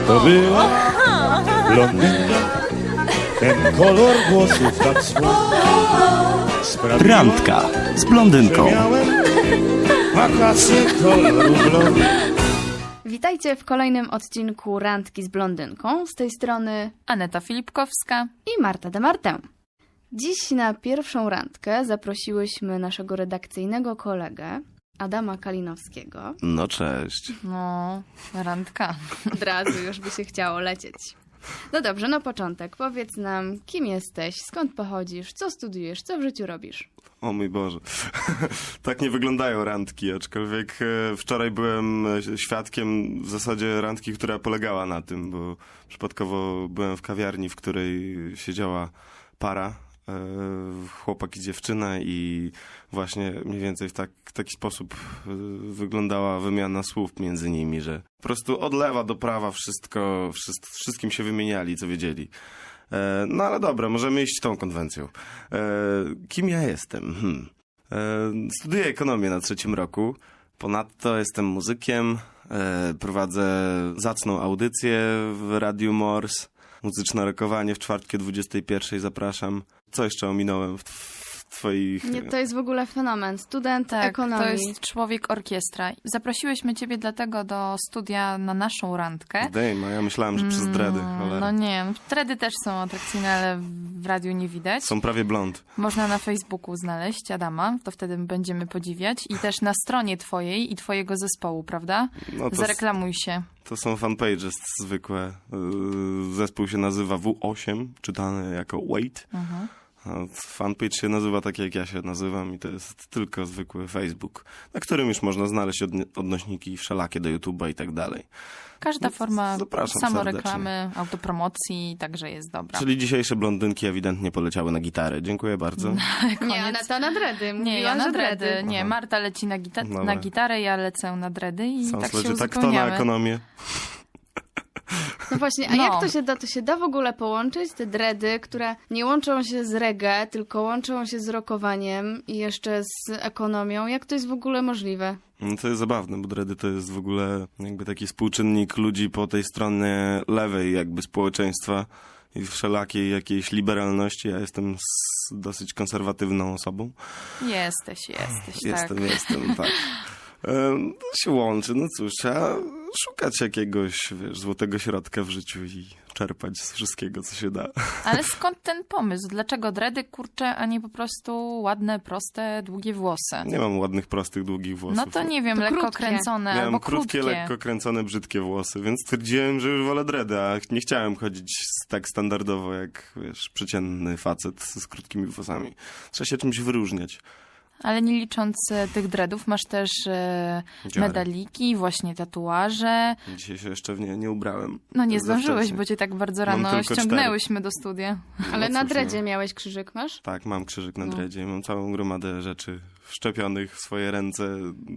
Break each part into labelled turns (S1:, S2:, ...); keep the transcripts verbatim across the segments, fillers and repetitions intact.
S1: to była blondynka, ten kolor włosów tak słodki.
S2: Randka z blondynką.
S1: Miałem wakacje koloru blond.
S3: Witajcie w kolejnym odcinku Randki z blondynką. Z tej strony
S4: Aneta Filipkowska
S3: i Marta de Martę. Dziś na pierwszą randkę zaprosiłyśmy naszego redakcyjnego kolegę Adama Kalinowskiego.
S2: No cześć.
S4: No, randka.
S3: Od razu już by się chciało lecieć. No dobrze, na początek powiedz nam, kim jesteś, skąd pochodzisz, co studiujesz, co w życiu robisz?
S2: O mój Boże. Tak nie wyglądają randki, aczkolwiek e, wczoraj byłem e, świadkiem w zasadzie randki, która polegała na tym, bo przypadkowo byłem w kawiarni, w której siedziała para, e, chłopak i dziewczyna i właśnie mniej więcej w tak, taki sposób e, wyglądała wymiana słów między nimi, że po prostu od lewa do prawa wszystko, wszyst, wszystkim się wymieniali, co wiedzieli. No ale dobra, możemy iść tą konwencją. Kim ja jestem? Hmm. Studiuję ekonomię na trzecim roku. Ponadto jestem muzykiem. Prowadzę zacną audycję w Radiu Morse. Muzyczne rokowanie w czwartki o dwudziestej pierwszej zapraszam. Co jeszcze ominąłem w, w twoich...
S3: Nie, to jest w ogóle fenomen. Student
S4: Tak,
S3: ekonomii.
S4: to jest człowiek orkiestra. Zaprosiłyśmy ciebie dlatego do studia na naszą randkę.
S2: Dejma, ja myślałem, że przez dredy.
S4: Mm, No nie, dredy też są atrakcyjne, ale w radiu nie widać.
S2: Są prawie blond.
S4: Można na Facebooku znaleźć Adama, to wtedy będziemy podziwiać. I też na stronie twojej i twojego zespołu, prawda?
S2: No to
S4: Zareklamuj się.
S2: To są fanpages zwykłe. Zespół się nazywa W osiem, czytany jako Wait.
S4: Mhm.
S2: A fanpage się nazywa tak, jak ja się nazywam i to jest tylko zwykły Facebook, na którym już można znaleźć odni- odnośniki wszelakie do YouTube'a i tak dalej.
S4: Każda
S2: No,
S4: forma
S2: zapraszam
S4: samoreklamy, autopromocji także jest dobra.
S2: Czyli dzisiejsze blondynki ewidentnie poleciały na gitary. Dziękuję bardzo.
S3: Nie, Aneta na dredy.
S4: Nie,
S3: Mówiła,
S4: ja na
S3: że
S4: dredy. Nie,
S2: Aha.
S4: Marta leci na, gita-
S2: Dobra.
S4: na gitarę, ja lecę na dredy i
S2: Są
S4: tak się
S2: tak, tak to na
S4: uzupełniamy.
S2: ekonomię.
S3: No właśnie, a
S4: No.
S3: jak to się da? To się da w ogóle połączyć? Te dredy, które nie łączą się z reggae, tylko łączą się z rockowaniem i jeszcze z ekonomią. Jak to jest w ogóle możliwe?
S2: No to jest zabawne, bo dredy to jest w ogóle jakby taki współczynnik ludzi po tej stronie lewej jakby społeczeństwa i wszelakiej jakiejś liberalności. Ja jestem s- dosyć konserwatywną osobą.
S4: Jesteś, jesteś,
S2: Jestem,
S4: tak.
S2: jestem, tak. Em, To się łączy, no cóż, trzeba szukać jakiegoś, wiesz, złotego środka w życiu i czerpać z wszystkiego, co się da.
S4: Ale skąd ten pomysł? Dlaczego dredy, kurcze, a nie po prostu ładne, proste, długie włosy?
S2: Nie mam ładnych, prostych, długich włosów.
S4: No to nie wiem,
S3: To
S4: lekko
S3: krótkie.
S4: kręcone
S2: Miałem
S4: albo
S2: krótkie,
S4: krótkie.
S2: lekko kręcone, brzydkie włosy, więc stwierdziłem, że już wolę dredy, a nie chciałem chodzić s- tak standardowo jak, wiesz, przeciętny facet z krótkimi włosami. Trzeba się czymś wyróżniać.
S4: Ale nie licząc e, tych dreadów, masz też e,
S2: Dziary.
S4: medaliki, właśnie tatuaże.
S2: Dzisiaj się jeszcze w nie nie ubrałem.
S4: No nie
S2: Za
S4: zdążyłeś,
S2: wcześnie.
S4: bo cię tak bardzo
S2: Mam
S4: rano
S2: tylko
S4: ściągnęłyśmy do studia.
S3: Ale
S2: No
S3: na
S2: cóż,
S3: dredzie
S2: no.
S3: miałeś krzyżyk, masz?
S2: Tak, mam krzyżyk na
S3: No.
S2: dredzie, mam całą gromadę rzeczy wszczepionych w swoje ręce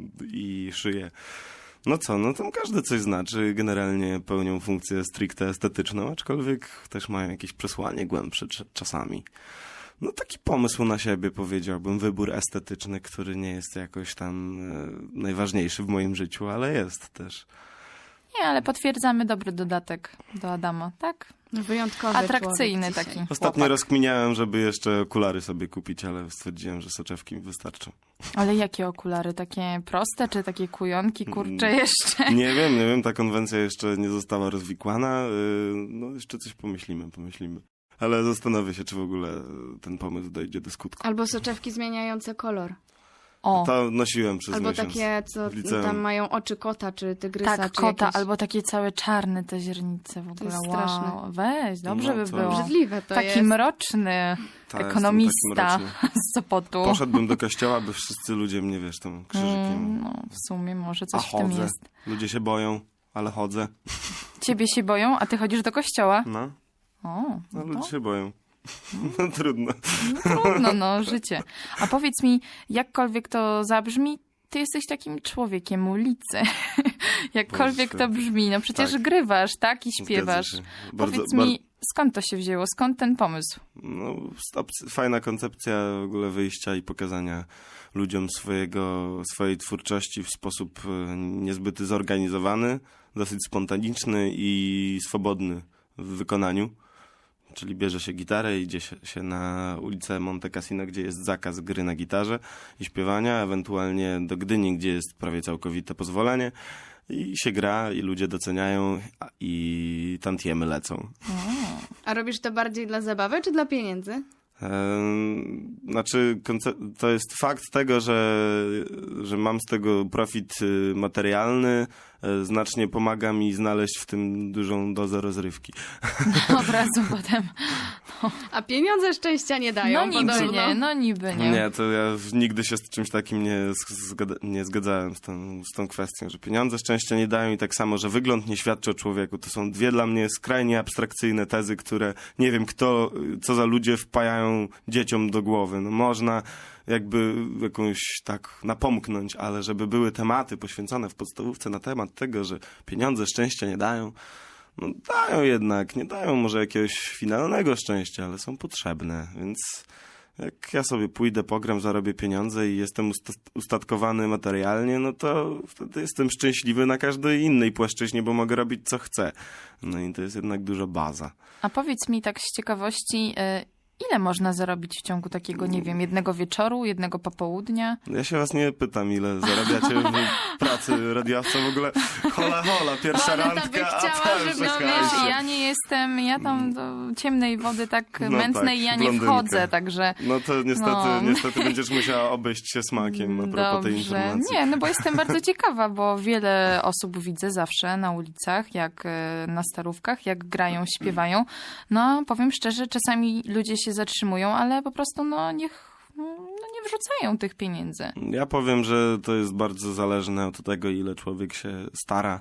S2: i szyję. No co, no tam każdy coś znaczy, generalnie pełnią funkcję stricte estetyczną, aczkolwiek też mają jakieś przesłanie głębsze cz- czasami. No taki pomysł na siebie, powiedziałbym, wybór estetyczny, który nie jest jakoś tam e, najważniejszy w moim życiu, ale jest też.
S4: Nie, ale potwierdzamy dobry dodatek do Adama, tak?
S3: Wyjątkowy
S4: Atrakcyjny
S3: człowiek dzisiaj.
S4: taki.
S2: Ostatnio
S4: chłopak.
S2: rozkminiałem, żeby jeszcze okulary sobie kupić, ale stwierdziłem, że soczewki mi wystarczą.
S4: Ale jakie okulary? Takie proste, czy takie kujonki, kurcze
S2: Mm.
S4: jeszcze?
S2: Nie wiem, nie wiem, ta konwencja jeszcze nie została rozwikłana. y, No jeszcze coś pomyślimy, pomyślimy. Ale zastanowię się, czy w ogóle ten pomysł dojdzie do skutku.
S3: Albo soczewki zmieniające kolor.
S4: O,
S2: To nosiłem przez
S3: Albo
S2: miesiąc.
S3: takie, co
S2: w liceum.
S3: tam mają oczy kota, czy tygrysa,
S4: tak,
S3: czy
S4: kota,
S3: jakieś...
S4: albo takie całe czarne te źrenice w ogóle.
S3: jest
S4: wow.
S3: straszne.
S4: Weź, dobrze
S2: No
S4: by
S2: to-
S4: było.
S3: Obrzydliwe to
S4: Taki
S3: jest.
S4: mroczny
S2: Ta, jestem
S4: ekonomista
S2: taki mroczny.
S4: z Sopotu.
S2: Poszedłbym do kościoła, by wszyscy ludzie mnie, wiesz, tam krzyżykiem...
S4: Mm, no, w sumie może
S2: A
S4: coś w tym
S2: chodzę.
S4: jest.
S2: Ludzie się boją, ale chodzę.
S4: Ciebie się boją, a ty chodzisz do kościoła?
S2: No,
S4: O,
S2: no
S4: no
S2: ludzie
S4: to
S2: się boją. No trudno.
S4: trudno, no, życie. A powiedz mi, jakkolwiek to zabrzmi, ty jesteś takim człowiekiem ulicy. Jakkolwiek
S2: Boże.
S4: to brzmi, no przecież
S2: Tak.
S4: grywasz, tak? I śpiewasz.
S2: Zgadza się. Bardzo,
S4: Powiedz mi, Skąd to się wzięło? Skąd ten pomysł?
S2: No, stop, fajna koncepcja w ogóle wyjścia i pokazania ludziom swojego, swojej twórczości w sposób e, niezbyt zorganizowany, dosyć spontaniczny i swobodny w wykonaniu. Czyli bierze się gitarę, idzie się, się na ulicę Monte Cassino, gdzie jest zakaz gry na gitarze i śpiewania, ewentualnie do Gdyni, gdzie jest prawie całkowite pozwolenie. I się gra, i ludzie doceniają, a- i tantiemy lecą.
S3: A robisz to bardziej dla zabawy czy dla pieniędzy?
S2: Ehm, Znaczy, konce- to jest fakt tego, że, że mam z tego profit y, materialny, e, znacznie pomaga mi znaleźć w tym dużą dozę rozrywki.
S4: Od razu potem.
S3: A pieniądze szczęścia nie dają.
S4: No niby
S3: podobno.
S4: nie, no niby nie.
S2: Nie, to ja w- nigdy się z czymś takim nie, zgada- nie zgadzałem z tą, z tą kwestią, że pieniądze szczęścia nie dają i tak samo, że wygląd nie świadczy o człowieku. To są dwie dla mnie skrajnie abstrakcyjne tezy, które nie wiem kto, co za ludzie wpajają dzieciom do głowy. No można jakby jakąś tak napomknąć, ale żeby były tematy poświęcone w podstawówce na temat tego, że pieniądze szczęścia nie dają, no dają jednak, nie dają może jakiegoś finalnego szczęścia, ale są potrzebne, więc jak ja sobie pójdę, pogram, zarobię pieniądze i jestem usta- ustatkowany materialnie, no to wtedy jestem szczęśliwy na każdej innej płaszczyźnie, bo mogę robić co chcę. No i to jest jednak duża baza.
S4: A powiedz mi tak z ciekawości, y, ile można zarobić w ciągu takiego, nie wiem, jednego wieczoru, jednego popołudnia?
S2: Ja się was nie pytam, ile zarabiacie w pracy radiowca, w ogóle hola hola, pierwsza
S3: Aneta by
S2: randka,
S3: chciała,
S2: a tam
S3: żeby-
S4: No
S2: czekajcie.
S4: wiesz, ja nie jestem, ja tam do ciemnej wody tak
S2: No
S4: mętnej
S2: tak,
S4: ja nie
S2: blondynka.
S4: wchodzę, także...
S2: No to niestety,
S4: No.
S2: niestety będziesz musiała obejść się smakiem a propos tej informacji.
S4: Nie, no bo jestem bardzo ciekawa, bo wiele osób widzę zawsze na ulicach, jak e, na starówkach, jak grają, śpiewają. No, powiem szczerze, czasami ludzie się zatrzymują, ale po prostu no niech no, nie wrzucają tych pieniędzy.
S2: Ja powiem, że to jest bardzo zależne od tego, ile człowiek się stara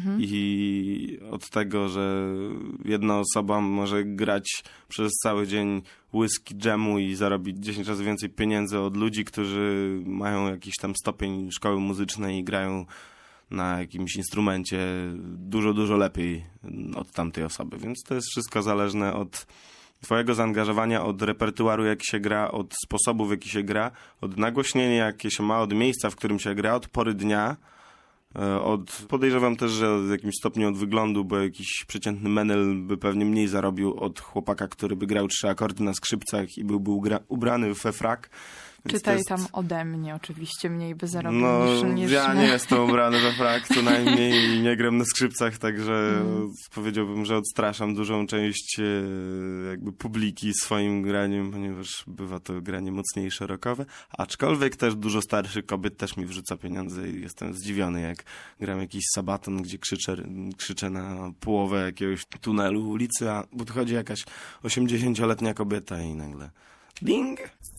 S2: i od tego, że jedna osoba może grać przez cały dzień whisky dżemu i zarobić dziesięć razy więcej pieniędzy od ludzi, którzy mają jakiś tam stopień szkoły muzycznej i grają na jakimś instrumencie dużo, dużo lepiej od tamtej osoby. Więc to jest wszystko zależne od twojego zaangażowania, od repertuaru, jaki się gra, od sposobu, w jaki się gra, od nagłośnienia, jakie się ma, od miejsca, w którym się gra, od pory dnia, e, od podejrzewam też, że w jakimś stopniu od wyglądu, bo jakiś przeciętny menel by pewnie mniej zarobił od chłopaka, który by grał trzy akordy na skrzypcach i byłby ugra- ubrany we frak. Więc to
S4: Czytaj
S2: jest-
S4: tam ode mnie, oczywiście mniej by zarobił
S2: No,
S4: niż, niż...
S2: ja nie jestem ubrany we frak, co najmniej i nie gram na skrzypcach, także
S4: Mm.
S2: powiedziałbym, że odstraszam dużą część e, jakby publiki swoim graniem, ponieważ bywa to granie mocniejsze, rockowe, aczkolwiek też dużo starszych kobiet też mi wrzuca pieniądze i jestem zdziwiony, jak gram jakiś sabaton, gdzie krzyczę, krzyczę na połowę jakiegoś tunelu ulicy, a podchodzi jakaś osiemdziesięcioletnia kobieta i nagle ding!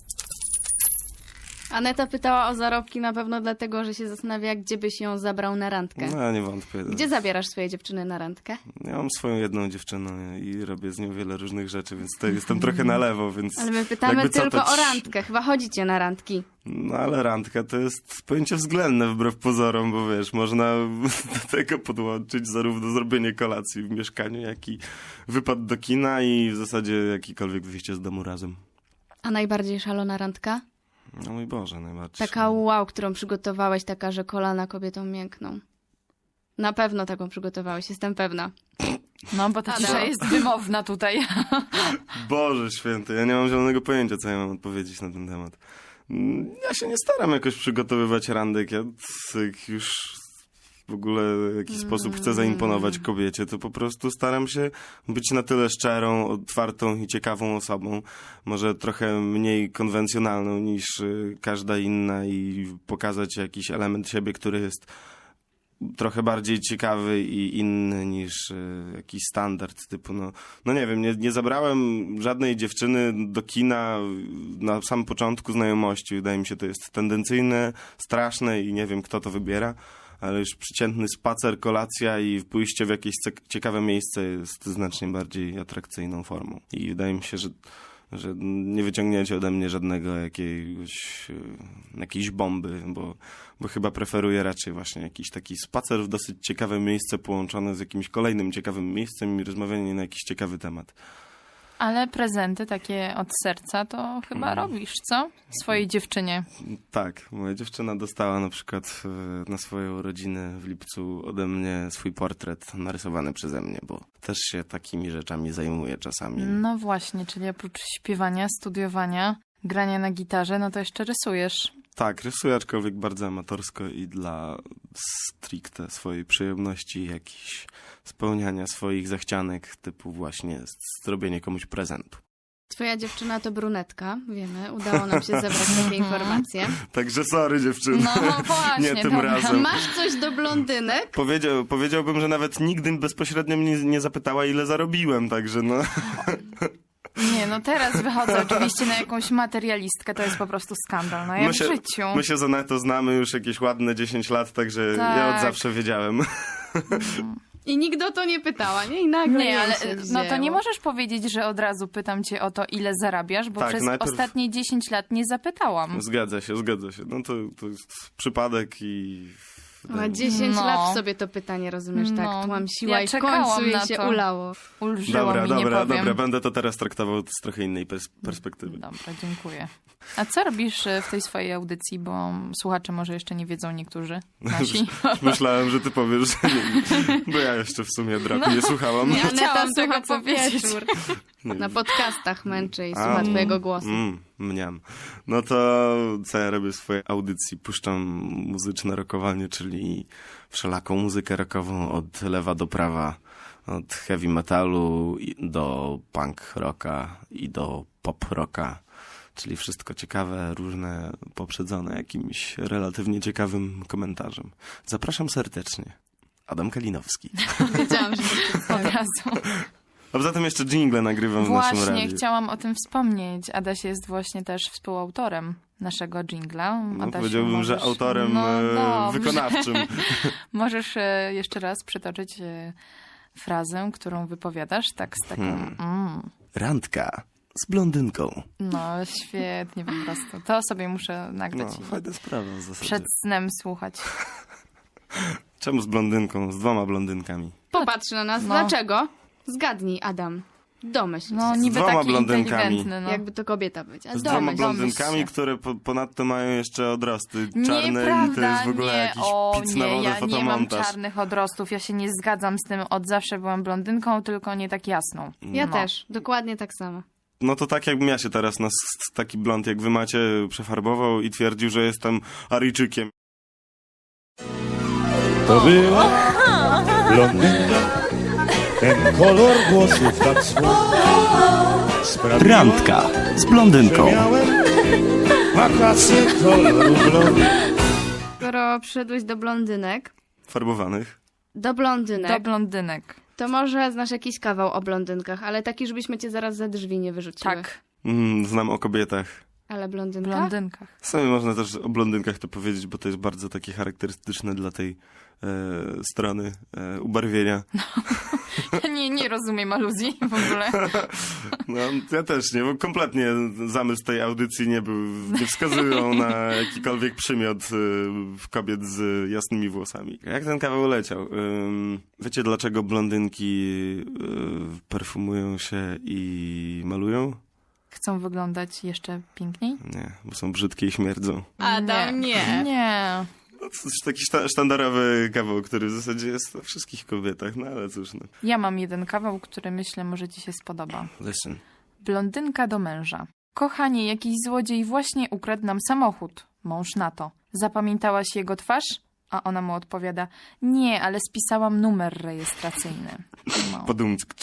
S3: Aneta pytała o zarobki na pewno dlatego, że się zastanawia, gdzie byś ją zabrał na randkę.
S2: No, nie wątpię.
S3: Gdzie zabierasz swoje dziewczyny na randkę?
S2: Ja mam swoją jedną dziewczynę i robię z nią wiele różnych rzeczy, więc to jestem trochę na lewo, więc...
S3: Ale my pytamy
S2: jakby co,
S3: tylko
S2: to
S3: o
S2: ci-
S3: randkę. Chyba chodzicie na randki.
S2: No ale randka to jest pojęcie względne wbrew pozorom, bo wiesz, można do tego podłączyć zarówno zrobienie kolacji w mieszkaniu, jak i wypad do kina i w zasadzie jakiekolwiek wyjście z domu razem.
S3: A najbardziej szalona randka?
S2: No mój Boże, najbardziej.
S3: Taka wow, którą przygotowałeś, taka, że kolana kobietom miękną. Na pewno taką przygotowałeś, jestem pewna.
S4: No, bo ta
S3: Adam.
S4: cisza jest wymowna tutaj.
S2: Boże święty, ja nie mam zielonego pojęcia, co ja mam odpowiedzieć na ten temat. Mm, Ja się nie staram jakoś przygotowywać randek. Ja jak już w ogóle w jakiś sposób chcę zaimponować kobiecie, to po prostu staram się być na tyle szczerą, otwartą i ciekawą osobą. Może trochę mniej konwencjonalną niż y, każda inna i pokazać jakiś element siebie, który jest trochę bardziej ciekawy i inny niż y, jakiś standard typu, no, no nie wiem, nie, nie zabrałem żadnej dziewczyny do kina na samym początku znajomości. Wydaje mi się, to jest tendencyjne, straszne i nie wiem, kto to wybiera, ale już przeciętny spacer, kolacja i pójście w jakieś cek- ciekawe miejsce jest znacznie bardziej atrakcyjną formą. I wydaje mi się, że że nie wyciągniecie ode mnie żadnego jakiegoś, e, jakiejś bomby, bo, bo chyba preferuję raczej właśnie jakiś taki spacer w dosyć ciekawe miejsce połączone z jakimś kolejnym ciekawym miejscem i rozmawianie na jakiś ciekawy temat.
S4: Ale prezenty takie od serca to chyba robisz, co? Swojej dziewczynie.
S2: Tak, moja dziewczyna dostała na przykład e, na swoją urodzinę w lipcu ode mnie swój portret narysowany przeze mnie, bo też się takimi rzeczami zajmuję czasami.
S4: No właśnie, czyli oprócz śpiewania, studiowania, grania na gitarze, no to jeszcze rysujesz.
S2: Tak, rysuję, aczkolwiek bardzo amatorsko i dla stricte swojej przyjemności, jakichś spełniania swoich zachcianek, typu właśnie zrobienie komuś prezentu.
S3: Twoja dziewczyna to brunetka, wiemy, udało nam się zebrać takie informacje.
S2: Także sorry dziewczyny,
S4: No właśnie,
S2: nie tym
S4: dobra.
S2: razem.
S3: Masz coś do blondynek?
S2: Powiedział, powiedziałbym, że nawet nigdy bezpośrednio mnie nie zapytała, ile zarobiłem, także no...
S4: Nie, no teraz wychodzę oczywiście na jakąś materialistkę, to jest po prostu skandal, no jak
S2: My się,
S4: w życiu.
S2: my się z Anetą znamy już jakieś ładne dziesięć lat, także
S4: Tak.
S2: ja od zawsze wiedziałem.
S3: I nikt o to nie pytała, nie? I nagle
S4: Nie,
S3: jej
S4: ale
S3: się
S4: no to nie
S3: wzięło.
S4: możesz powiedzieć, że od razu pytam cię o to, ile zarabiasz, bo
S2: Tak,
S4: przez
S2: najpierw-
S4: ostatnie dziesięć lat nie zapytałam.
S2: Zgadza się, zgadza się. No to, to jest przypadek i...
S3: Ma dziesięć
S4: No.
S3: lat w sobie to pytanie, rozumiesz,
S4: No,
S3: tak tłamsiła
S4: ja
S3: i w
S4: czekałam
S3: końcu jej
S4: na
S3: się
S4: to.
S3: ulało.
S4: Ulżyło
S2: Dobra,
S4: mi, nie
S2: dobra,
S4: powiem.
S2: dobra, będę to teraz traktował z trochę innej pers- perspektywy.
S4: Dobra, dziękuję. A co robisz e, w tej swojej audycji, bo słuchacze może jeszcze nie wiedzą niektórzy nasi.
S2: Myślałem, że ty powiesz, że nie, bo ja jeszcze w sumie draku nie słuchałam.
S3: Nie, Aneta
S4: Chciałam
S3: słucha
S4: tego
S3: co
S4: powiedzieć.
S3: wieczór.
S2: Nie.
S3: Na podcastach męczy i
S2: A,
S3: słucha twojego głosu.
S2: Mm, mniam. No to co ja robię w swojej audycji? Puszczam muzyczne rockowanie, czyli wszelaką muzykę rockową od lewa do prawa. Od heavy metalu i- do punk rocka i do pop rocka. Czyli wszystko ciekawe, różne, poprzedzone jakimś relatywnie ciekawym komentarzem. Zapraszam serdecznie. Adam Kalinowski.
S3: Wiedziałam, że to
S4: Od razu.
S2: A poza tym jeszcze jingle nagrywam w naszym
S4: Właśnie,
S2: radiu.
S4: chciałam o tym wspomnieć. Adaś jest właśnie też współautorem naszego jingla.
S2: No,
S4: Adasiu,
S2: powiedziałbym,
S4: możesz...
S2: że autorem
S4: no,
S2: e,
S4: dobrze.
S2: wykonawczym.
S4: Możesz e, jeszcze raz przytoczyć e, frazę, którą wypowiadasz, tak z taką...
S2: Hmm.
S4: Mm.
S2: Randka z blondynką.
S4: No, świetnie po prostu. To sobie muszę
S2: No,
S4: nagrać i
S2: fajna sprawa w zasadzie.
S4: przed snem słuchać.
S2: Czemu z blondynką? Z dwoma blondynkami.
S3: Popatrz na nas.
S4: No.
S3: Dlaczego? Zgadnij, Adam. Domyśl
S4: No,
S3: się.
S4: niby
S2: dwoma
S4: taki
S2: blondynkami.
S4: inteligentny, no.
S3: Jakby to kobieta być. A
S2: Z dwoma
S3: domyśl.
S4: domyśl
S2: blondynkami,
S4: się.
S2: które po, ponadto mają jeszcze odrosty czarne
S4: Nieprawda,
S2: i to jest w ogóle
S4: nie.
S2: jakiś
S4: o,
S2: pic
S4: nie,
S2: na wodę
S4: ja nie mam
S2: fotomontaż.
S4: czarnych odrostów, ja się nie zgadzam z tym, od zawsze byłam blondynką, tylko nie tak jasną.
S3: Ja
S4: No.
S3: też. Dokładnie tak samo.
S2: No to tak jakbym ja się teraz na s- taki blond jak wy macie przefarbował i twierdził, że jestem Aryjczykiem.
S1: To była blondynka, ten kolor włosów tak słodki.
S2: Randka z blondynką.
S1: Miałem wakacje koloru blond.
S3: Skoro przyszedłeś do blondynek,
S2: Farbowanych.
S3: do blondynek,
S4: Do blondynek.
S3: to może znasz jakiś kawał o blondynkach, ale taki, żebyśmy cię zaraz za drzwi nie wyrzuciły.
S4: Tak,
S2: Mm, znam o kobietach.
S3: Ale
S4: w
S3: blondynka?
S4: blondynkach.
S2: W sumie można też o blondynkach to powiedzieć, bo to jest bardzo takie charakterystyczne dla tej e, strony e, ubarwienia.
S4: Ja nie, nie rozumiem aluzji w ogóle.
S2: No, ja też nie, bo kompletnie zamysł tej audycji nie był, nie wskazują na jakikolwiek przymiot y, kobiet z jasnymi włosami. Jak ten kawał leciał? Ym, wiecie dlaczego blondynki y, perfumują się i malują?
S4: Chcą wyglądać jeszcze piękniej?
S2: Nie, bo są brzydkie i śmierdzą.
S3: Adam, nie.
S4: Nie.
S2: No, to jest taki szta- sztandarowy kawał, który w zasadzie jest we wszystkich kobietach, no ale cóż. No.
S4: Ja mam jeden kawał, który myślę może ci się spodoba.
S2: Listen.
S4: Blondynka do męża. Kochanie, jakiś złodziej właśnie ukradł nam samochód. Mąż na to. Zapamiętałaś jego twarz? A ona mu odpowiada, nie, ale spisałam numer rejestracyjny. No.
S2: Podumck.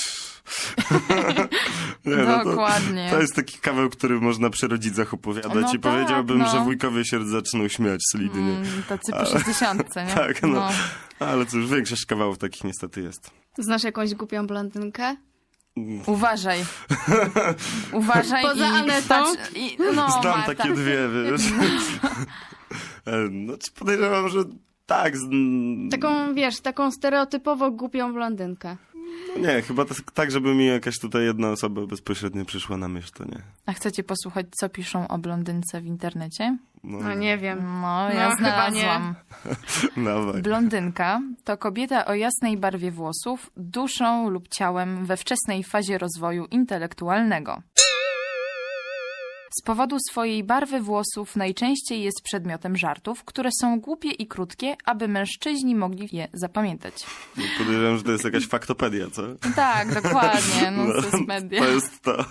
S2: Nie, no to,
S4: Dokładnie.
S2: to jest taki kawał, który można przy rodzicach opowiadać
S4: No
S2: i
S4: tak,
S2: powiedziałbym,
S4: no.
S2: że wujkowie się zaczną śmiać solidnie.
S4: Mm, tacy po
S2: Ale-
S4: sześćdziesiątce, nie?
S2: Tak, no. Ale cóż, większość kawałów takich niestety jest.
S3: Znasz jakąś głupią blondynkę?
S4: Uważaj. Uważaj
S3: Poza
S4: i
S3: Anetą?
S4: patrz, i, no,
S2: Znam
S4: Marta.
S2: takie dwie, wiesz. E, no, czy podejrzewam, że tak. Z...
S3: Taką, wiesz, taką stereotypowo głupią blondynkę.
S2: Nie, chyba to, tak, żeby mi jakaś tutaj jedna osoba bezpośrednio przyszła na myśl, to nie.
S4: A chcecie posłuchać, co piszą o blondynce w internecie?
S3: No nie wiem.
S4: No, ja
S3: No, chyba nie.
S4: znalazłam.
S2: Dawaj.
S4: Blondynka to kobieta o jasnej barwie włosów, duszą lub ciałem we wczesnej fazie rozwoju intelektualnego. Z powodu swojej barwy włosów najczęściej jest przedmiotem żartów, które są głupie i krótkie, aby mężczyźni mogli je zapamiętać.
S2: Podejrzewam, że to jest jakaś faktopedia, co?
S4: Tak, dokładnie, no, to jest media.
S2: To jest to.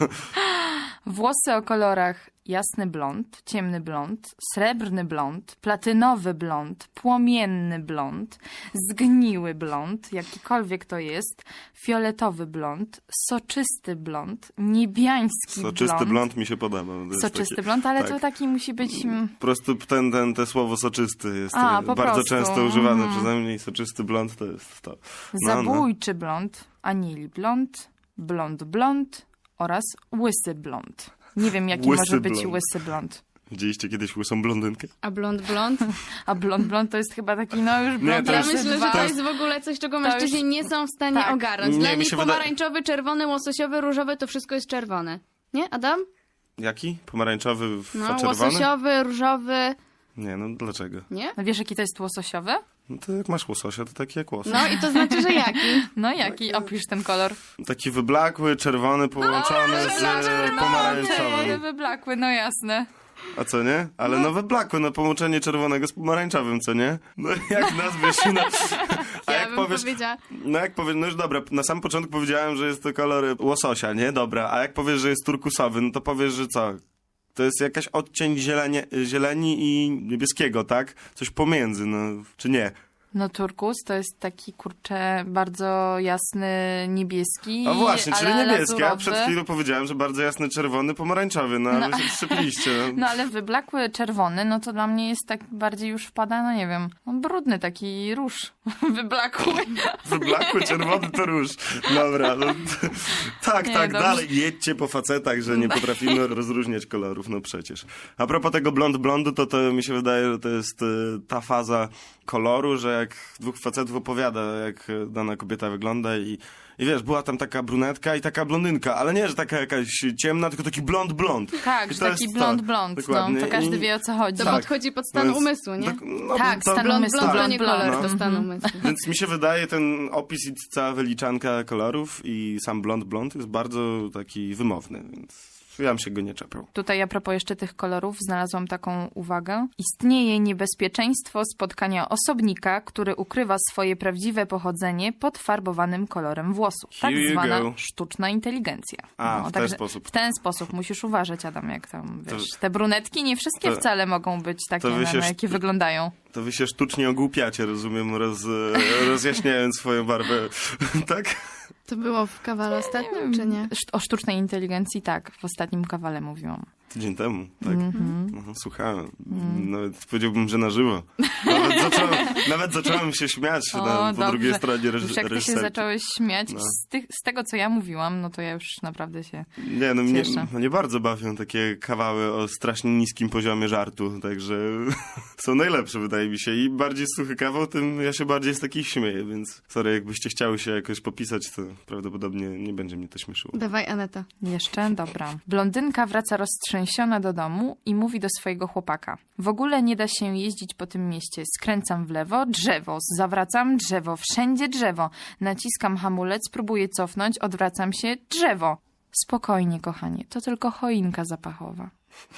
S4: Włosy o kolorach jasny blond, ciemny blond, srebrny blond, platynowy blond, płomienny blond, zgniły blond, jakikolwiek to jest, fioletowy blond, soczysty blond, niebiański
S2: Soczysty
S4: blond.
S2: blond mi się podoba. To jest
S4: Soczysty
S2: taki-
S4: blond, ale
S2: tak.
S4: to taki musi być... mm,
S2: Po prostu ten, ten, te słowo soczysty jest
S4: A,
S2: e,
S4: po
S2: bardzo
S4: prostu.
S2: często używane
S4: Mhm.
S2: przeze mnie i soczysty blond to jest to. No, no.
S4: Zabójczy blond, anili blond, blond blond oraz łysy blond. Nie wiem, jaki
S2: Łysy
S4: może być
S2: blond.
S4: łysy blond.
S2: Widzieliście kiedyś łysą blondynkę?
S3: A blond blond?
S4: A blond blond to jest chyba taki, no już blond
S2: to
S3: Ja
S2: jest-
S3: myślę, że
S4: dwa.
S3: to jest w ogóle coś, czego
S4: To
S3: mężczyźni
S4: już-
S3: nie są w stanie
S4: tak.
S3: ogarnąć.
S2: Nie,
S3: Dla
S2: mi
S3: nich
S2: się wydaje-
S3: pomarańczowy, czerwony, łososiowy, różowy to wszystko jest czerwone. Nie, Adam?
S2: Jaki? Pomarańczowy,
S3: No,
S2: a czerwony?
S3: łososiowy, różowy.
S2: Nie, no dlaczego?
S3: Nie?
S4: No wiesz, jaki to jest łososiowy?
S2: No to jak masz łososia, to taki jak łosoś.
S3: No i to znaczy, że jaki?
S4: No jaki? Opisz ten kolor.
S2: Taki wyblakły, czerwony, połączony z e, pomarańczowym.
S4: Czerwony, wyblakły, no jasne.
S2: A co nie? Ale no wyblakły, no połączenie czerwonego z pomarańczowym, co nie? No jak nazwiesz na... A
S3: Ja
S2: jak
S3: bym
S2: powiesz...
S3: powiedziała,
S2: No jak powiesz, no już dobra, na sam początku powiedziałem, że jest to kolor łososia, nie? Dobra, a jak powiesz, że jest turkusowy, no to powiesz, że co? To jest jakaś odcień zielenie, zieleni i niebieskiego, tak? Coś pomiędzy, no, czy nie?
S4: No turkus to jest taki, kurczę, bardzo jasny niebieski.
S2: A właśnie, czyli
S4: ale
S2: niebieski, a
S4: lazurowy.
S2: przed chwilą powiedziałem, że bardzo jasny czerwony, pomarańczowy, no, a wy się wszczepiliście. No.
S4: No ale wyblakły czerwony, no to dla mnie jest tak bardziej już wpada, no nie wiem, no brudny taki róż wyblakły.
S2: Wyblakły czerwony to róż. Dobra, no. Tak,
S4: Nie,
S2: tak,
S4: dobrze.
S2: dalej. Jedźcie po facetach, że nie potrafimy rozróżniać kolorów, no przecież. A propos tego blond blondu, to to mi się wydaje, że to jest y, ta faza koloru, że jak dwóch facetów opowiada, jak y, dana kobieta wygląda i i wiesz, była tam taka brunetka i taka blondynka, ale nie, że taka jakaś ciemna, tylko taki blond blond.
S4: Tak,
S2: I
S4: że
S2: to
S4: taki
S2: jest
S4: blond
S2: to.
S4: blond, no
S2: Dokładnie.
S4: to każdy
S2: I-
S4: wie o co chodzi.
S3: to
S2: Tak.
S3: podchodzi pod stan
S2: No więc-
S3: umysłu, nie?
S2: tak, no,
S4: Tak,
S2: to-
S4: stan
S3: Blond
S4: umysłu,
S3: blond to
S4: blond
S3: nie
S4: blond.
S3: kolor, to
S2: No.
S3: stan
S4: Mhm.
S3: umysłu.
S2: Więc mi się wydaje, ten opis i cała wyliczanka kolorów i sam blond blond jest bardzo taki wymowny, więc ja bym się go nie czepiał.
S4: Tutaj a propos jeszcze tych kolorów znalazłam taką uwagę. Istnieje niebezpieczeństwo spotkania osobnika, który ukrywa swoje prawdziwe pochodzenie pod farbowanym kolorem włosów. Tak
S2: Here you
S4: zwana
S2: go.
S4: sztuczna inteligencja.
S2: A, w ten
S4: także
S2: sposób.
S4: W ten sposób musisz uważać, Adam, jak tam,
S2: To-
S4: wiesz, te brunetki nie wszystkie
S2: to-
S4: wcale mogą być takie,
S2: to wy
S4: na,
S2: się
S4: na
S2: sz-
S4: jakie wyglądają.
S2: To wy się sztucznie ogłupiacie, rozumiem, roz, rozjaśniając swoją barwę, tak?
S3: To było w kawale ostatnim, czy nie?
S4: Szt- O sztucznej inteligencji tak, w ostatnim kawale mówiłam.
S2: Tydzień temu, tak?
S4: Mhm.
S2: Mhm, słuchałem. Nawet powiedziałbym, że na żywo. Nawet zacząłem, nawet zacząłem się śmiać
S4: O,
S2: na, po
S4: dobrze.
S2: drugiej stronie reż,
S4: Już jak ty się
S2: reżyserki.
S4: zacząłeś śmiać
S2: No.
S4: z, tych, z tego, co ja mówiłam, no to ja już naprawdę się...
S2: Nie, no mnie,
S4: Cieszę.
S2: mnie bardzo bawią takie kawały o strasznie niskim poziomie żartu, także są najlepsze, wydaje mi się. I bardziej suchy kawał, tym ja się bardziej z takich śmieję, więc sorry, jakbyście chciały się jakoś popisać, to prawdopodobnie nie będzie mnie to śmieszyło.
S3: Dawaj, Aneta.
S4: Jeszcze? Dobra. Blondynka wraca roztrzęsiona do domu i mówi do swojego chłopaka. W ogóle nie da się jeździć po tym mieście. Skręcam w lewo, drzewo, zawracam, drzewo, wszędzie drzewo. Naciskam hamulec, próbuję cofnąć, odwracam się, drzewo. Spokojnie, kochanie, to tylko choinka zapachowa.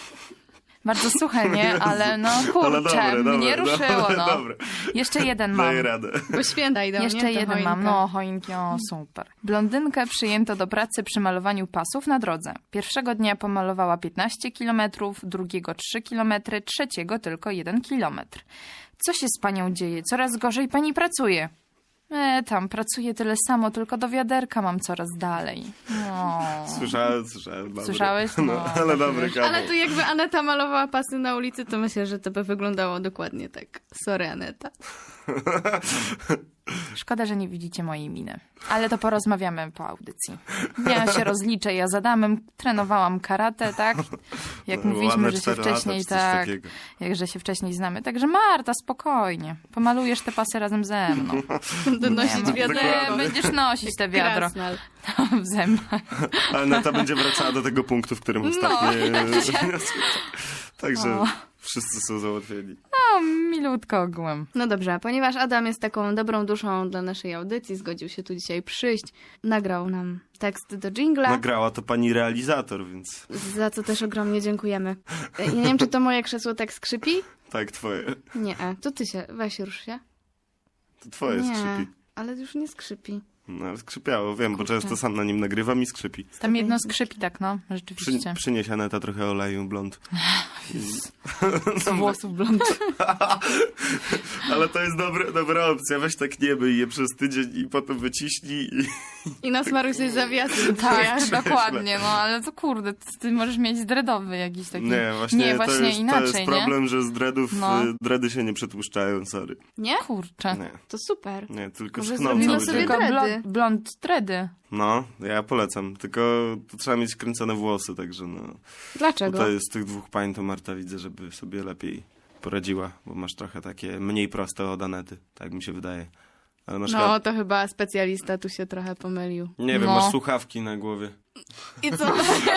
S4: Bardzo suche, nie? Ale no kurczę,
S2: Ale dobre, dobre,
S4: mnie ruszyło,
S2: dobre,
S4: no.
S2: dobre.
S4: Jeszcze jeden mam.
S2: Daję radę.
S3: Bo święta idą,
S4: Jeszcze
S3: nie? To
S4: jeden
S3: choinka.
S4: mam, no choinki, o super. Blondynkę przyjęto do pracy przy malowaniu pasów na drodze. Pierwszego dnia pomalowała piętnaście kilometrów, drugiego trzy kilometry, trzeciego tylko jeden kilometr. Co się z panią dzieje? Coraz gorzej pani pracuje. E, tam pracuję tyle samo, tylko do wiaderka mam coraz dalej. No.
S2: Słyszałem, słyszałem. Dobry.
S4: Słyszałeś?
S2: No,
S4: No,
S2: ale
S4: tak
S2: dobry
S4: wiesz.
S2: kawał.
S3: Ale tu jakby Aneta malowała pasy na ulicy, to myślę, że to by wyglądało dokładnie tak. Sorry, Aneta.
S4: Szkoda, że nie widzicie mojej miny. Ale to porozmawiamy po audycji. Ja się rozliczę, ja z Adamem trenowałam karate, tak? Jak
S2: No,
S4: mówiliśmy,
S2: ładne
S4: że się
S2: cztery lata,
S4: wcześniej,
S2: czy coś
S4: tak,
S2: takiego.
S4: jakże się wcześniej znamy. Także Marta, spokojnie. Pomalujesz te pasy razem ze mną.
S3: To nosić
S4: ma-
S3: wiadro.
S4: Nie, będziesz nosić te wiadro
S3: Krasnal.
S4: w zębach.
S2: Ale Nata będzie wracała do tego punktu, w którym ostatnio... Także
S4: O.
S2: wszyscy są załatwieni.
S4: No, milutko ogółem.
S3: No dobrze, ponieważ Adam jest taką dobrą duszą dla naszej audycji, zgodził się tu dzisiaj przyjść, nagrał nam tekst do dżingla,
S2: Nagrała to pani realizator, więc
S3: za co też ogromnie dziękujemy. Ja nie wiem, czy to moje krzesło tak skrzypi?
S2: tak, twoje.
S3: Nie, e, to ty się, weź rusz się.
S2: To twoje
S3: Nie,
S2: skrzypi.
S3: ale już nie skrzypi.
S2: No, ale skrzypiało, wiem, bo często sam na nim nagrywam i skrzypi.
S4: Tam jedno skrzypi tak, no,
S2: Przy,
S4: rzeczywiście.
S2: przynieś Aneta trochę oleju blond.
S4: Z włosów blond.
S2: Ale to jest dobre, dobra opcja. Weź tak nie myj je przez tydzień i potem wyciśnij i...
S3: I nasmaruj sobie zawiasy.
S4: Tak, dokładnie, no ale to kurde, ty, ty możesz mieć dreadowy jakiś taki.
S2: Nie, właśnie,
S4: nie,
S2: to,
S4: właśnie
S2: jest,
S4: inaczej,
S2: to jest problem, że z dreadów
S4: No.
S2: y, dready się nie przetłuszczają, sorry.
S3: Nie?
S4: nie? Kurczę.
S2: Nie,
S3: To super.
S2: nie, tylko
S3: Może
S2: schną
S3: zrobimy
S2: cały
S3: sobie
S2: dzień.
S4: Tylko
S3: dready.
S4: blond, blond dready.
S2: No, ja polecam, tylko to trzeba mieć kręcone włosy, także no...
S3: Dlaczego?
S2: Tutaj z tych dwóch pań to Marta widzę, żeby sobie lepiej poradziła, bo masz trochę takie mniej proste od Anety, tak mi się wydaje. Ale masz chyba...
S3: No, to chyba specjalista tu się trochę pomylił.
S2: Nie wiem,
S4: No.
S2: masz słuchawki na głowie.
S3: I co?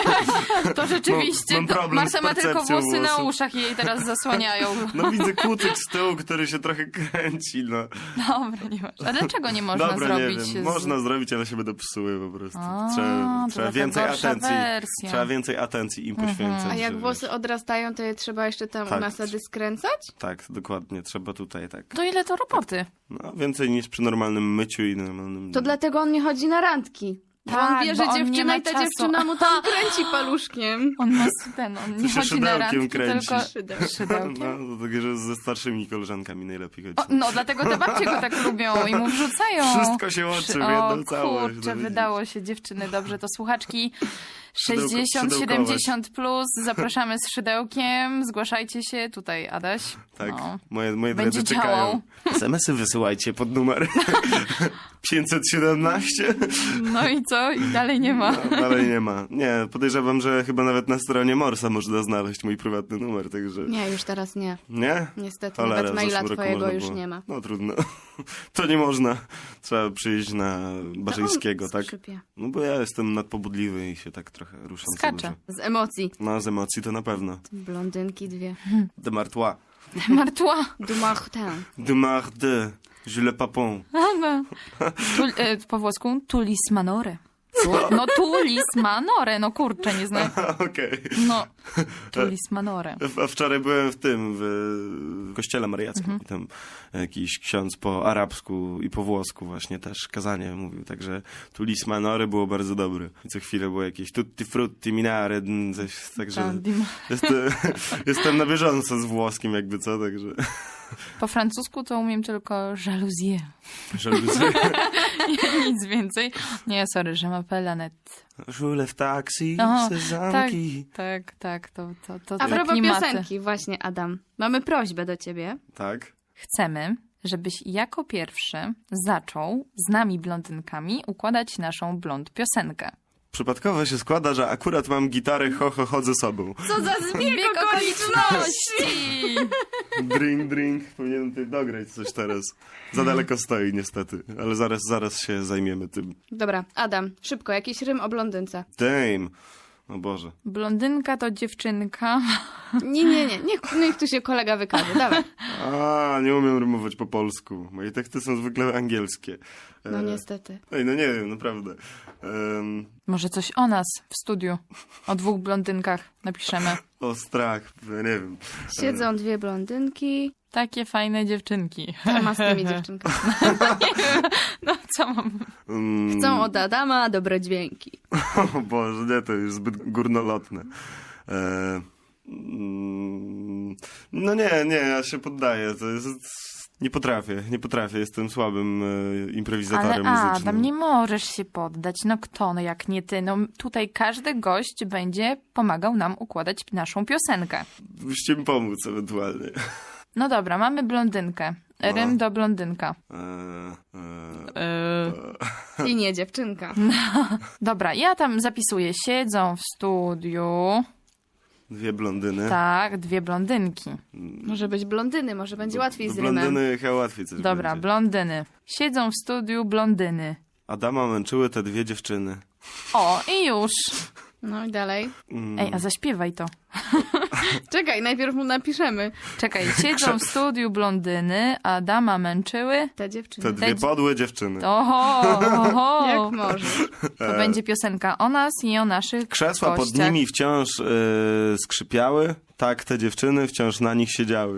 S4: To rzeczywiście,
S2: Mam
S4: to
S2: problem
S4: Marta
S2: z
S4: ma tylko
S2: percepcją
S4: włosy na
S2: włosów.
S4: uszach i jej teraz zasłaniają.
S2: No widzę kucyk z tyłu, który się trochę kręci, no.
S4: Dobra, nie masz. A dlaczego nie można
S2: Dobra,
S4: zrobić
S2: nie wiem.
S4: z...
S2: Można zrobić, ale się będą psuły po prostu.
S4: A,
S2: trzeba
S4: to
S2: trzeba
S4: taka
S2: więcej
S4: gorsza
S2: atencji.
S4: wersja.
S2: Trzeba więcej atencji im poświęcać.
S3: A jak
S2: żeby-
S3: włosy odrastają, to je trzeba jeszcze tam
S2: Tak.
S3: u nasady skręcać?
S2: Tak, dokładnie. Trzeba tutaj tak.
S4: To ile to roboty?
S2: No, więcej niż przy normalnym myciu i normalnym...
S3: To dlatego on nie chodzi na randki. Bo
S4: Tak,
S3: on wie, że
S4: bo on nie
S3: dziewczyna
S4: ma
S3: i ta
S4: czasu.
S3: dziewczyna mu tam kręci paluszkiem.
S4: On ma ten, on nie
S2: się
S4: chodzi na
S2: szydełkiem
S4: randki,
S2: kręci.
S4: tylko
S3: Szydeł.
S4: szydełkiem.
S2: No, to takie, że ze starszymi koleżankami najlepiej chodzi.
S4: O, no, dlatego te babcie go tak lubią i mu wrzucają.
S2: Wszystko się łączy w
S4: O,
S2: jedną całość.
S4: kurczę,
S2: no widzisz.
S4: wydało się dziewczyny dobrze. To słuchaczki
S2: Szydełko-
S4: sześćdziesiąt
S2: szydełkować.
S4: siedemdziesiąt plus, zapraszamy z szydełkiem, zgłaszajcie się tutaj, Adaś.
S2: Tak,
S4: No.
S2: moje, moje
S4: Będzie
S2: drodzy
S4: działał.
S2: czekają. es em esy wysyłajcie pod numer pięćset siedemnaście.
S4: No i co? I dalej nie ma.
S2: No, dalej nie ma. Nie, podejrzewam, że chyba nawet na stronie Morsa można znaleźć mój prywatny numer, także...
S3: Nie, już teraz nie.
S2: Nie?
S3: Niestety,
S2: Cholera,
S3: nawet
S2: w
S3: maila
S2: zeszłym roku
S3: twojego
S2: można
S3: już
S2: było.
S3: nie ma.
S2: No trudno. To nie można. Trzeba przyjść na Barzyńskiego,
S3: On
S2: tak?
S3: skrzypie.
S2: No bo ja jestem nadpobudliwy i się tak trochę ruszam. co
S4: Skacze.
S2: dużo.
S3: Z emocji.
S2: No z emocji to na pewno.
S3: Blondynki dwie.
S2: De Martois.
S4: Martła.
S3: Du Martin.
S2: De Marde. Jules Papon.
S4: No. Tu, e, po włosku tulis manore. No tulis manore, no kurczę, nie znam.
S2: Okej.
S4: No, tulis manore.
S2: A wczoraj byłem w tym, w kościele mariackim
S4: Mhm.
S2: i tam jakiś ksiądz po arabsku i po włosku właśnie też kazanie mówił, także tu lis manory było bardzo dobre. I co chwilę było jakieś tutti frutti minare, mm, coś, także
S4: Ta, dim-
S2: jestem, jestem na bieżąco z włoskim jakby co, także
S4: Po francusku to umiem tylko jalousie.
S2: żeby
S4: Nic więcej. Nie, sorry, je m'appelle Annette.
S2: żule w taksi,
S4: Aha,
S2: sezamki.
S4: Tak, tak, to, to, to
S3: A
S4: te
S3: propos
S4: klimaty.
S3: piosenki, właśnie Adam. Mamy prośbę do ciebie.
S2: Tak.
S4: Chcemy, żebyś jako pierwszy zaczął z nami blondynkami układać naszą blond piosenkę.
S2: Przypadkowo się składa, że akurat mam gitarę, ho, ho, chodzę sobą.
S3: Co za zbieg
S4: okoliczności!
S2: Drink, drink. Powinienem tutaj dograć coś teraz. Za daleko stoi niestety, ale zaraz, zaraz się zajmiemy tym.
S3: Dobra, Adam, szybko, jakiś rym o blondynce.
S2: Damn. O Boże.
S4: Blondynka to dziewczynka.
S3: Nie, nie, nie, niech, niech tu się kolega wykaże, dawaj.
S2: A, nie umiem rymować po polsku. Moje teksty są zwykle angielskie. E,
S3: No niestety.
S2: Ej, no nie wiem, naprawdę. Em,
S4: Może coś o nas w studiu. O dwóch blondynkach napiszemy.
S2: o strach, ja nie wiem.
S3: Siedzą dwie blondynki.
S4: Takie fajne dziewczynki.
S3: Co ma z tymi dziewczynkami?
S4: No co mam?
S2: Mm,
S3: Chcą od Adama dobre dźwięki.
S2: O Boże, nie, to już zbyt górnolotne. E, mm, no nie, nie, ja się poddaję. To jest... Nie potrafię, nie potrafię. Jestem słabym e, improwizatorem
S4: Ale
S2: muzycznym.
S4: Adam, nie możesz się poddać. No kto, no jak nie ty. No tutaj każdy gość będzie pomagał nam układać naszą piosenkę.
S2: Byście mi pomóc ewentualnie.
S4: No dobra, mamy blondynkę. Rym do blondynka.
S2: E, e,
S4: Yy.
S3: I nie dziewczynka.
S4: Dobra, ja tam zapisuję. Siedzą w studiu.
S2: dwie blondyny.
S4: Tak, dwie blondynki.
S3: Może być blondyny, może będzie łatwiej z rymem.
S2: Blondyny chyba łatwiej coś
S4: Dobra,
S2: będzie.
S4: blondyny. Siedzą w studiu blondyny.
S2: Adama męczyły te dwie dziewczyny.
S4: O, i już.
S3: No i dalej.
S2: Mm.
S4: Ej, a zaśpiewaj to.
S3: Czekaj, najpierw mu napiszemy.
S4: Czekaj, siedzą w studiu blondyny, Adama męczyły.
S3: Te dziewczyny.
S2: Te dwie podłe dziewczyny.
S4: Oho, oho.
S3: Jak możesz.
S4: To będzie piosenka o nas i o naszych
S2: Krzesła pod
S4: gościach.
S2: nimi wciąż e, skrzypiały, tak te dziewczyny wciąż na nich siedziały.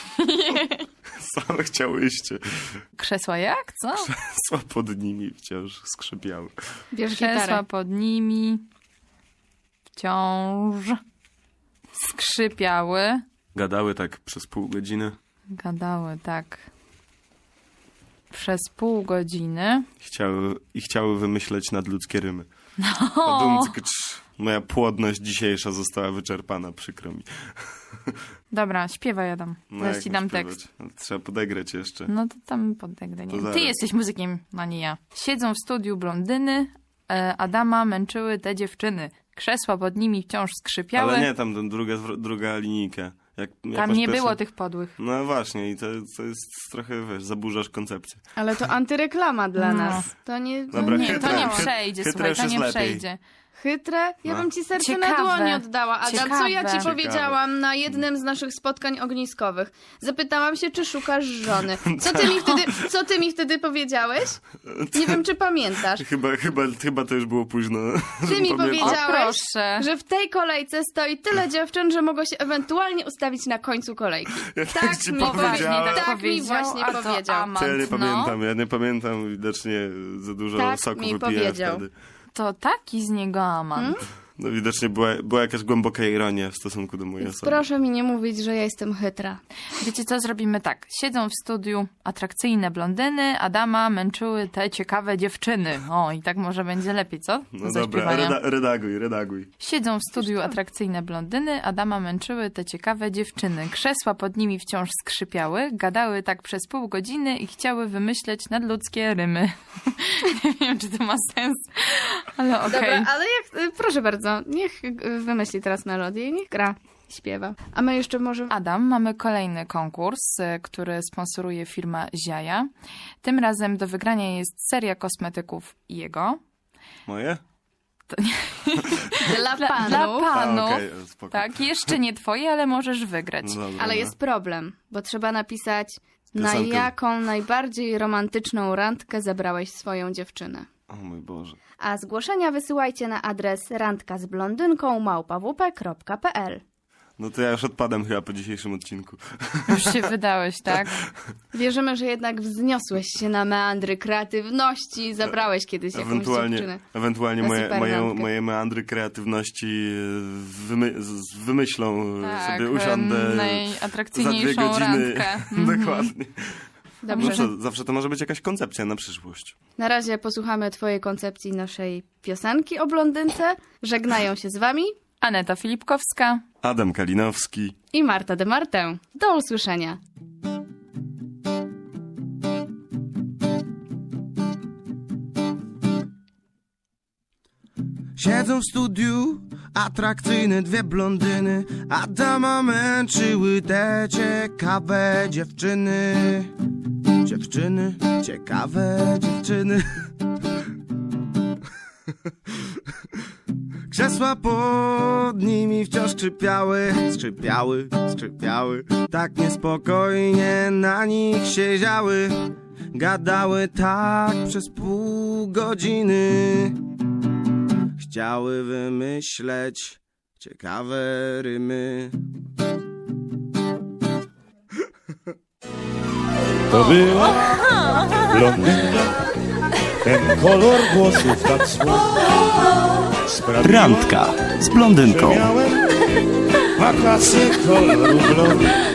S2: Same chciałyście.
S4: Krzesła jak? Co?
S2: Krzesła pod nimi wciąż skrzypiały.
S3: Bierz
S4: Krzesła
S3: gitarę.
S4: pod nimi wciąż skrzypiały.
S2: Gadały tak przez pół godziny.
S4: Gadały tak przez pół godziny.
S2: Chciały, I chciały wymyśleć nadludzkie rymy. Odumckcz. Moja płodność dzisiejsza została wyczerpana, przykro mi.
S4: Dobra, śpiewaj, Adam.
S2: No
S4: Zaraz
S2: jak
S4: ci
S2: mam
S4: dam
S2: śpiewać?
S4: tekst.
S2: No, trzeba podegrać jeszcze.
S4: No to tam podegrę.
S2: To
S4: Nie.
S2: zaraz.
S4: Ty jesteś muzykiem, a nie ja. Siedzą w studiu blondyny, e, Adama męczyły te dziewczyny. Krzesła pod nimi wciąż skrzypiały.
S2: Ale nie, tam ten druga, druga linijka. Jak, jak
S4: Tam
S2: masz
S4: nie
S2: pierwszą-
S4: było tych podłych.
S2: No właśnie i to, to jest trochę, wiesz, zaburzasz koncepcję.
S3: Ale to antyreklama dla
S4: No.
S3: nas. To nie, to
S2: Dobra,
S3: nie,
S4: Nie, to
S2: chytre.
S4: nie
S3: działa.
S4: przejdzie,
S2: Chytre
S4: słuchaj,
S2: już
S4: to
S2: jest
S4: nie
S2: lepiej.
S4: przejdzie.
S3: Chytre? Ja
S2: No.
S3: bym ci serce
S4: Ciekawe.
S3: na dłoni oddała. Adam, co ja ci
S4: Ciekawe.
S3: powiedziałam na jednym z naszych spotkań ogniskowych? Zapytałam się, czy szukasz żony. Co ty mi wtedy, co ty mi wtedy powiedziałeś? Nie wiem, czy pamiętasz.
S2: Chyba, chyba, chyba to już było późno.
S3: Ty
S2: żebym
S3: mi
S2: pamiętał.
S4: O,
S3: powiedziałeś,
S4: proszę.
S3: że w tej kolejce stoi tyle dziewczyn, że mogą się ewentualnie ustawić na końcu kolejki. Tak
S2: ci
S3: mi,
S2: powiedziałem.
S3: powie-
S4: tak
S3: tak mi
S4: powiedział,
S3: właśnie
S4: a to
S3: powiedział.
S4: amant,
S2: To ja nie
S4: no.
S2: pamiętam, ja nie pamiętam, widocznie za dużo
S3: Tak
S2: soku
S3: mi
S2: wypiłem
S3: powiedział.
S2: wtedy.
S4: To taki z niego amant.
S2: No widocznie była, była jakaś głęboka ironia w stosunku do mojej osoby.
S3: Proszę mi nie mówić, że ja jestem chytra.
S4: Wiecie co, zrobimy tak. Siedzą w studiu atrakcyjne blondyny, Adama męczyły te ciekawe dziewczyny. O, i tak może będzie lepiej, co? Do
S2: No dobra,
S4: zaśpiewania.
S2: reda, redaguj, redaguj.
S4: Siedzą w studiu atrakcyjne blondyny, Adama męczyły te ciekawe dziewczyny. Krzesła pod nimi wciąż skrzypiały, gadały tak przez pół godziny i chciały wymyśleć nadludzkie rymy. Nie wiem, czy to ma sens, ale okej.
S3: Dobra, ale jak, y, proszę bardzo, niech y, wymyśli teraz melodię i niech gra, śpiewa. A my jeszcze może...
S4: Adam, mamy kolejny konkurs, y, który sponsoruje firma Ziaja. Tym razem do wygrania jest seria kosmetyków jego.
S2: Moje?
S3: Dla
S4: Dla,
S3: panów.
S4: dla
S2: A,
S4: panów.
S2: okej, spoko.
S4: Tak, jeszcze nie twoje, ale możesz wygrać.
S2: No dobra,
S3: Ale
S2: no.
S3: jest problem, bo trzeba napisać, na
S2: Piosenkę.
S3: jaką najbardziej romantyczną randkę zabrałeś swoją dziewczynę.
S2: O mój Boże.
S3: A zgłoszenia wysyłajcie na adres randka z blondynką małpa w p kropka p l.
S2: No to ja już odpadam chyba po dzisiejszym odcinku.
S4: Już się wydałeś, tak?
S3: Wierzymy, że jednak wzniosłeś się na meandry kreatywności i zabrałeś kiedyś jakąś
S2: Ewentualnie,
S3: dziewczynę.
S2: ewentualnie
S3: na
S2: moje,
S3: super
S2: moje,
S3: randkę.
S2: moje meandry kreatywności e, wymy, z- wymyślą,
S4: Tak,
S2: sobie usiądę za dwie
S4: najatrakcyjniejszą
S2: godziny.
S4: randkę. Mhm.
S2: Dokładnie. No
S3: Dobrze.
S2: co, zawsze to może być jakaś koncepcja na przyszłość.
S3: Na razie posłuchamy twojej koncepcji naszej piosenki o blondynce. Żegnają się z wami
S4: Aneta Filipkowska.
S2: Adam Kalinowski.
S3: i Marta de Martę. Do usłyszenia.
S5: Siedzą w studiu atrakcyjne dwie blondyny, Adama męczyły te ciekawe dziewczyny. Dziewczyny, ciekawe dziewczyny. Krzesła pod nimi wciąż skrzypiały, skrzypiały, skrzypiały. Tak niespokojnie na nich siedziały, gadały tak przez pół godziny. Chciały wymyśleć ciekawe rymy.
S1: To była blondynka, ten kolor włosów tak słodki sprawiła,
S6: Randka z blondynką.
S1: że miałem wakacje koloru blond.